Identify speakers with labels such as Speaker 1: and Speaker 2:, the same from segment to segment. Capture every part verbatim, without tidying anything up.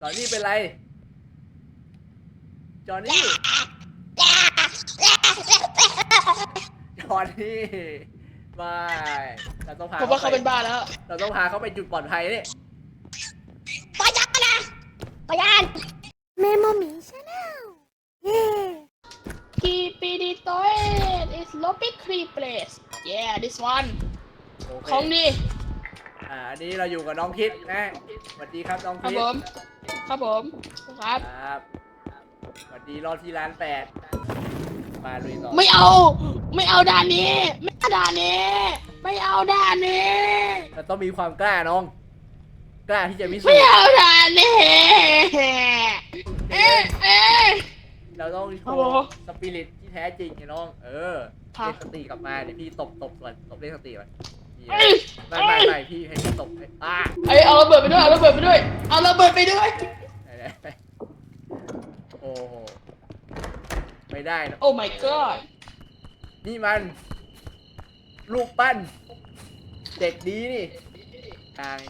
Speaker 1: จอห์นนี่เป็นไรจอห์นนี่จอห์นนี่ไม่เราต้องพา
Speaker 2: ผมว่าเขาเป็นบ้าแล้ว
Speaker 1: เราต้องพาเขาไปจุดปลอดภัยนี่
Speaker 2: ปยันนะปยันเมโมมีชาแนลเย้คีปีดีโต้ is lobby creep place yeah this one
Speaker 1: โอเค
Speaker 2: ของดี
Speaker 1: อ่าอันนี้เราอยู่กับน้องคิดนะสวัสดีครับน้อง
Speaker 2: ครับ
Speaker 1: คิด
Speaker 2: ผมครับผมครับ
Speaker 1: ครับสวัสดีรอที่ร้านแปดมาลุยต่อ
Speaker 2: ไม่เอาไม่เอาด่านนี้ไม่เอาด่านนี้ไม่เอาด่านนี้
Speaker 1: เราต้องมีความกล้าน้อง กล้าที่จะพิสูจ
Speaker 2: ไม่
Speaker 1: น์
Speaker 2: เอาด่านนี้เอ๊ะเอ๊ะ
Speaker 1: เราต้องโช
Speaker 2: ครับผม
Speaker 1: ว์สปิริตที่แท้จริงไงน้อง เออ
Speaker 2: ครับ
Speaker 1: เรียกสติกลับมาเดี๋ยวพี่ตบตบก่อนตบเรียกสติก่อนนี่
Speaker 2: เอ้ย
Speaker 1: ไม่ไม่ไม่พี่ให้พี่ตบให้อ่า
Speaker 2: เอ้ยเอาระเบิดไปด้วยเอาระเบิดไปด้วยเอาระเบิดไปด้วย
Speaker 1: ไหนๆโอ้โหไม่ได้นะ
Speaker 2: โอ้ my god
Speaker 1: นี่มัน ลูกปั้น เด็กดีนี่ทาง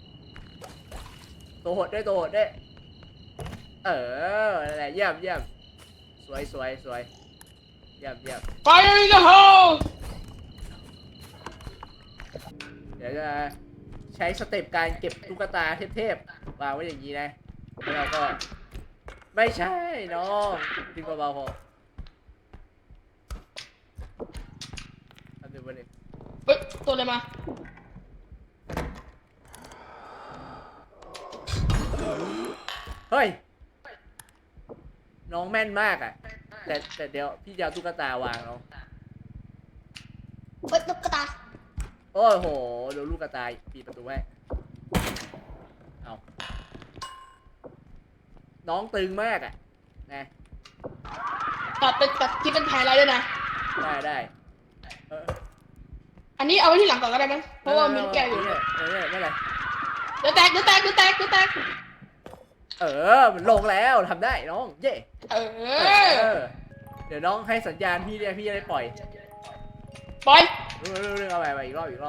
Speaker 1: ตัวหดด้วยตัวหดด้วยเออนั่นแหละเยี่ยมเยี่ยมสวยสวยสวยเยี่ยมเยี่ยม
Speaker 2: Fire in the hole
Speaker 1: เดี๋ยวจะใช้สเต็ปการเก็บตุ๊กตาเทพๆวางไว้อย่างนี้นะแล้วเราก็ ไม่ใช่น้องดึงเบาๆพอทำดูมันดิ
Speaker 2: เฮ้ยตัวอะไรมา
Speaker 1: เฮ้ย น้องแม่นมากอ่ะ แต่แต่เดี๋ยวพี่จะเอาตุ๊กตาวางน้อง
Speaker 2: เฮ้ยตุ๊กตา
Speaker 1: โอ้โหเดี๋ยวลูกกระต่ายปิดประตูไว้เอาน้องตึงมากอ่ะนะ
Speaker 2: ตัดเป็นตัดที่เป็นไฮไลท์ด้วยนะ
Speaker 1: ได้ได้เออ
Speaker 2: อันนี้เอาไว้ที่หลังก่อนก็ได้มั้งเพราะว่ามีลูกแก้วอยู่
Speaker 1: เนี่ยเออเนี่ยไม่เป็นไร
Speaker 2: เดี๋ยวแตกเดี๋ยวแตกเดี๋ยวแตกเดี๋ยวแตก
Speaker 1: เออมันลงแล้วทำได้น้องเย่
Speaker 2: เอ
Speaker 1: เอ
Speaker 2: อ
Speaker 1: อเดี๋ยวน้องให้สัญญาณพี่เนี่ยพี่จะได้ปล่อย
Speaker 2: ปล่อย
Speaker 1: เรื่องเรื่องเอาไปไปอีกรอบอีกรอบ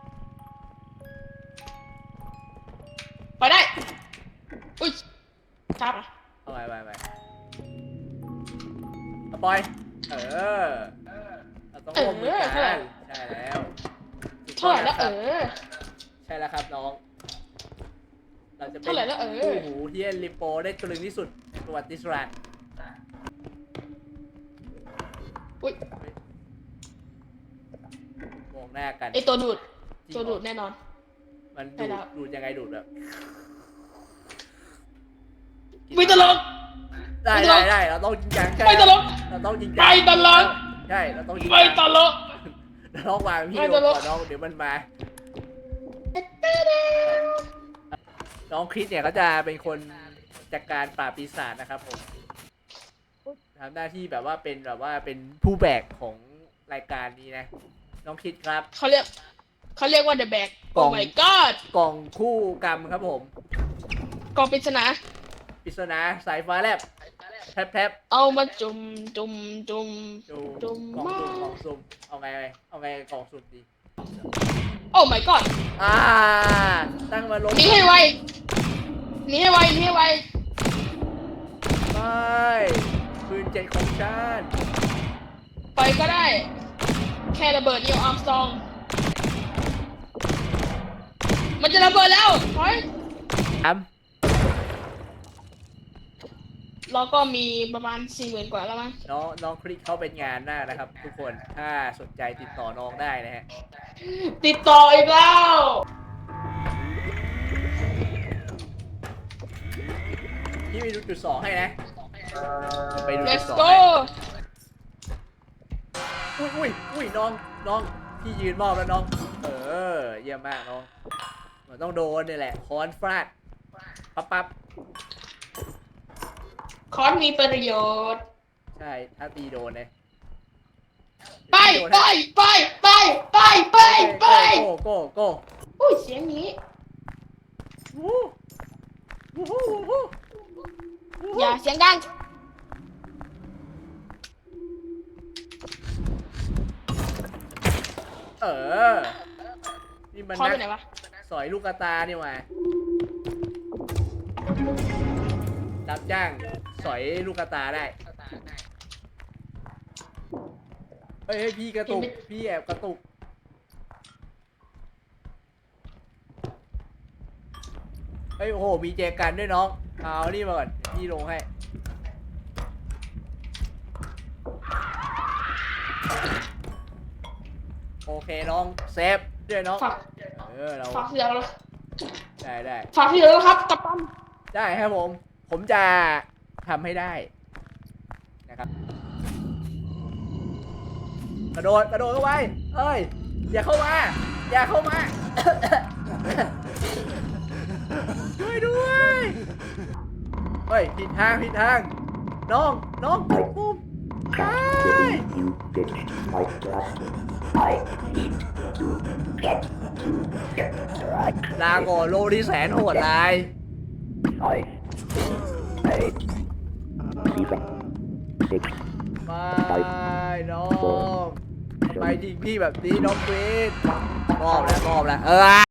Speaker 2: ปล่อยได้อุ้ยครับ
Speaker 1: เอาไปไปไปเอาปล่อยเออเราต้องร่วมมือกันใช่แล้วถูก
Speaker 2: เท่าไหร่แล้ว
Speaker 1: ต้
Speaker 2: เอ
Speaker 1: องนะคบ
Speaker 2: อ
Speaker 1: ใช่แล้วครับน้อง เราจะเป็น
Speaker 2: เท่าไหร่แล้วเออ
Speaker 1: คู่หูที่ลิโปได้ตรึงที่สุดในประวัติศาสตร์
Speaker 2: อุ้ย
Speaker 1: มองหน้ากัน
Speaker 2: ไอตัวดูด
Speaker 1: จริง
Speaker 2: ตัวดูดแน่นอน
Speaker 1: มัน
Speaker 2: ใช่
Speaker 1: ดู
Speaker 2: แล้
Speaker 1: ด
Speaker 2: ว
Speaker 1: ดูดยังไงดูดแบบ
Speaker 2: ไม่ตลก
Speaker 1: ได้
Speaker 2: ไม่ตล
Speaker 1: ได้
Speaker 2: ก
Speaker 1: ได้เราต้องจริงจังใช่
Speaker 2: ไม่ตลก
Speaker 1: เราต้องจริงจั
Speaker 2: ไม่ตลก
Speaker 1: ใช่เราต้องจริงจัง
Speaker 2: ไม่ตลก
Speaker 1: เราต้องวางพี่
Speaker 2: ไม่
Speaker 1: ล
Speaker 2: ต
Speaker 1: ง
Speaker 2: ล
Speaker 1: ก่
Speaker 2: ก
Speaker 1: อนน้องเดี๋ยวมันมา น้องคริสเนี่ยเขาจะเป็นคนจัดการปราบปีศาจนะครับผมทำหน้าที่แบบว่าเป็นแบบว่าเป็นผู้แบกของรายการนี้นะ น้องคริสครับ
Speaker 2: เขาเรียกเขาเรียกว่า the bag
Speaker 1: กล่
Speaker 2: oh
Speaker 1: อง
Speaker 2: my god
Speaker 1: กล่องคู่กรรมครับผม
Speaker 2: กล่องปริศนา
Speaker 1: ปริศนาสายฟ้าแลบแทบแทบ
Speaker 2: เอามาจุ่มจุ่มจุ่ม
Speaker 1: ดู
Speaker 2: จุ่ม
Speaker 1: กล่องสุ่ม
Speaker 2: มาก
Speaker 1: กล่องสุ่มเอาไงเอาไงกล่องสุ่มดี
Speaker 2: oh my god
Speaker 1: อ่าตั้งมาลง
Speaker 2: หนีให้ไวหนีให้ไวหนีให้ไว
Speaker 1: ไม่ปืนเจ็ดของฉัน
Speaker 2: ไปก็ได้ แค่ระเบิดเดียวอาร์มสตรอง มันจะระเบิดแล้วถอย
Speaker 1: ท
Speaker 2: เราก็มีประมาณสี่หมื่นกว่าแล้วมั้ง
Speaker 1: ำน้องน้องคลิกเข้าเป็นงานหน้านะครับ ทุกคนถ้าสนใจติดต่อน้องได้นะฮะ
Speaker 2: ติดต่ออีกแล้ว
Speaker 1: พี่ไปดูจุดสองให้นะไปดูจุ
Speaker 2: let's
Speaker 1: ดสอง
Speaker 2: go
Speaker 1: ให้อุ้ยอุ้ยอุ้ยน้องน้องพี่ยืนมอบแล้วน้อง เออเยี่ยมมากน้องมันต้องโดนนี่แหละค้อนฟาดปั๊บปั๊บ
Speaker 2: คอนมีประโยชน์
Speaker 1: ใช่ถ้าตีโดนเลย
Speaker 2: ไปไปไปไปไปไปไป
Speaker 1: โก้โก้โก้
Speaker 2: อุ้ยเสียงนี้
Speaker 1: วู้วู้วู้วู้
Speaker 2: อย่าเสียงดัง
Speaker 1: เออนี่มัน
Speaker 2: คอนไป
Speaker 1: นัก
Speaker 2: ไหนวะ
Speaker 1: สอยลูกกระตานี่หว่ารับจ้างสอยลูกกระตาได้เฮ้ยพี่กระตุกพี่แอบกระตุกเฮ้ยโอ้โหมีแจกันด้วยน้องเอานี่มาก่อนพี่ลงให้โอเคน้องเซฟด้วยน้อง
Speaker 2: ฝาก
Speaker 1: เออเรา
Speaker 2: ฝากเสียงแล้ว
Speaker 1: ได้ได้
Speaker 2: ฝากเสียงแล้วครับกัปตัน
Speaker 1: ได้ครับผมผมจะทำให้ได้นะครับกระโดดกระโดดเข้าไปเอ้ยอย่าเข้ามาอย่าเข้ามา ช่วยด้วยเฮ้ยผิดทางผิดทางน้องน้องกดปุ่มไป
Speaker 3: You finished my job. I need to get get right.
Speaker 1: ลาก่อนโลที่แสนโหดร้าย
Speaker 3: Nine, eight, seven, six,
Speaker 1: ไปน้องไปจริงพี่แบบนี้น้องควีนมอบแล้วมอบแล้วเออ